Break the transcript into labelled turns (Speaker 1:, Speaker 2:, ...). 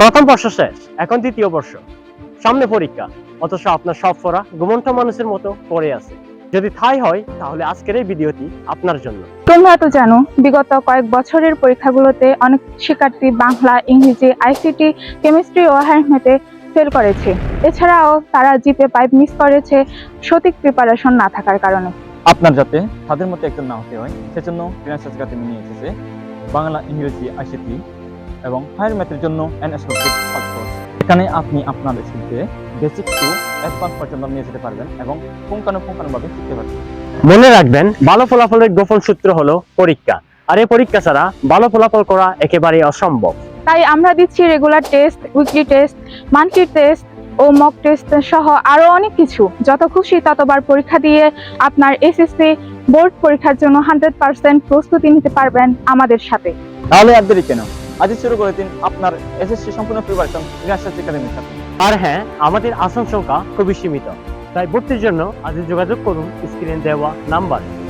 Speaker 1: প্রথম বর্ষ শেষ, এখন দ্বিতীয় বর্ষ, সামনে পরীক্ষা, অথচ আপনার সব পড়া ঘুমন্ত মানুষের মতো পড়ে আছে। যদি তাই হয় তাহলে আজকের এই ভিডিওটি আপনার জন্য।
Speaker 2: তোমরা তো জানো, বিগত কয়েক বছরের পরীক্ষাগুলোতে অনেক শিক্ষার্থী বাংলা, ইংরেজি, আইসিটি, কেমিস্ট্রি ও হ্যান্ডমেথে ফেল করেছে। এছাড়াও তারা জিপে পাইপ মিস করেছে সঠিক প্রিপারেশন না থাকার কারণে।
Speaker 3: আপনার যাতে তাদের মতো একজন না হতে হয় সেজন্য ফিনান্সিয়াল একাডেমি নিয়ে এসেছে বাংলা, ইংরেজি, আইসিটি এবং হায়ার ম্যাথের জন্য এনএসএলসির কোর্স। এখানে আপনি আপনার স্কিলকে বেসিক টু অ্যাডভান্স পর্যন্ত নিয়ে যেতে পারবেন এবং পুঙ্খানুপুঙ্খানুভাবে শিখতে পারবেন।
Speaker 1: মনে রাখবেন, ভালো ফলাফলের গোপন সূত্র হলো পরীক্ষা, আর এই পরীক্ষা ছাড়া ভালো ফলাফল করা একেবারেই অসম্ভব।
Speaker 2: তাই আমরা দিচ্ছি regular test, weekly test, monthly test ও মক টেস্ট সহ আরো অনেক কিছু। যত খুশি ততবার পরীক্ষা দিয়ে আপনার এসএসসি বোর্ড পরীক্ষার জন্য 100% প্রস্তুতি নিতে পারবেন আমাদের সাথে।
Speaker 3: তাহলে আর দেরি কেন, আজই শুরু করে দিন আপনার এসএসসি সম্পূর্ণ প্রিপারেশন ফিনান্সিয়াল একাডেমির সাথে।
Speaker 1: আর হ্যাঁ, আমাদের আসন সংখ্যা খুবই সীমিত, তাই ভর্তির জন্য আজই যোগাযোগ করুন স্ক্রিনে দেওয়া নাম্বার।